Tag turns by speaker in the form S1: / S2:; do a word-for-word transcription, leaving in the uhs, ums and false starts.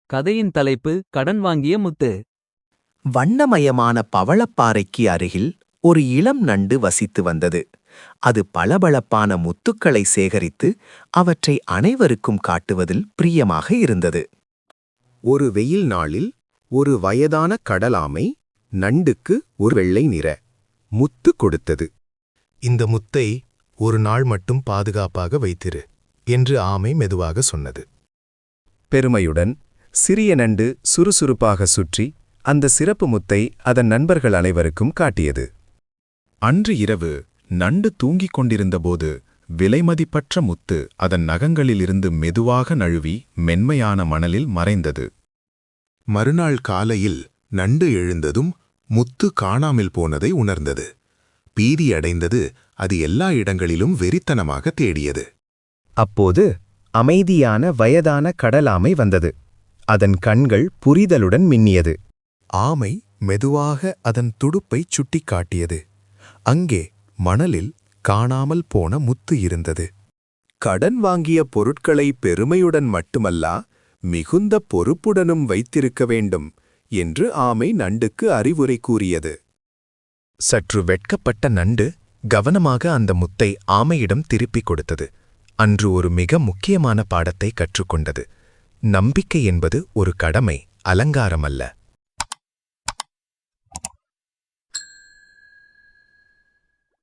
S1: கதையின் தலைப்பு கடன் வாங்கிய முத்து.
S2: வண்ணமயமான பவளப்பாறைக்கு அருகில் ஒரு இளம் நண்டு வசித்து வந்தது. அது பளபளப்பான முத்துக்களை சேகரித்து அவற்றை அனைவருக்கும் காட்டுவதில் பிரியமாக இருந்தது.
S3: ஒரு வெயில் நாளில் ஒரு வயதான கடலாமை நண்டுக்கு ஒரு வெள்ளை நிற முத்து கொடுத்தது.
S4: இந்த முத்தை ஒரு நாள் மட்டும் பாதுகாப்பாக வைத்திரு என்று ஆமை மெதுவாக சொன்னது.
S3: பெருமையுடன் சிறிய நண்டு சுறுசுறுப்பாக சுற்றி அந்த சிறப்பு முத்தை அதன் நண்பர்கள் அனைவருக்கும் காட்டியது.
S4: அன்று இரவு நண்டு தூங்கிக் கொண்டிருந்தபோது விலைமதிப்பற்ற முத்து அதன் நகங்களிலிருந்து மெதுவாக நழுவி மென்மையான மணலில் மறைந்தது.
S5: மறுநாள் காலையில் நண்டு எழுந்ததும் முத்து காணாமல் போனதை உணர்ந்தது. பீதியடைந்தது. அது எல்லா இடங்களிலும் வெறித்தனமாக தேடியது.
S3: அப்போது அமைதியான வயதான கடலாமை வந்தது. அதன் கண்கள் புரிதலுடன் மின்னியது.
S4: ஆமை மெதுவாக அதன் துடுப்பைச் சுட்டிக்காட்டியது. அங்கே மணலில் காணாமல் போன முத்து இருந்தது.
S3: கடன் வாங்கிய பொருட்களை பெருமையுடன் மட்டுமல்லா மிகுந்த பொறுப்புடனும் வைத்திருக்க வேண்டும் என்று ஆமை நண்டுக்கு அறிவுரை கூறியது.
S4: சற்று வெட்கப்பட்ட நண்டு கவனமாக அந்த முத்தை ஆமையிடம் திருப்பிக் கொடுத்தது. அன்று ஒரு மிக முக்கியமான பாடத்தை கற்றுக்கொண்டது. நம்பிக்கை என்பது ஒரு கடமை, அலங்காரமல்ல.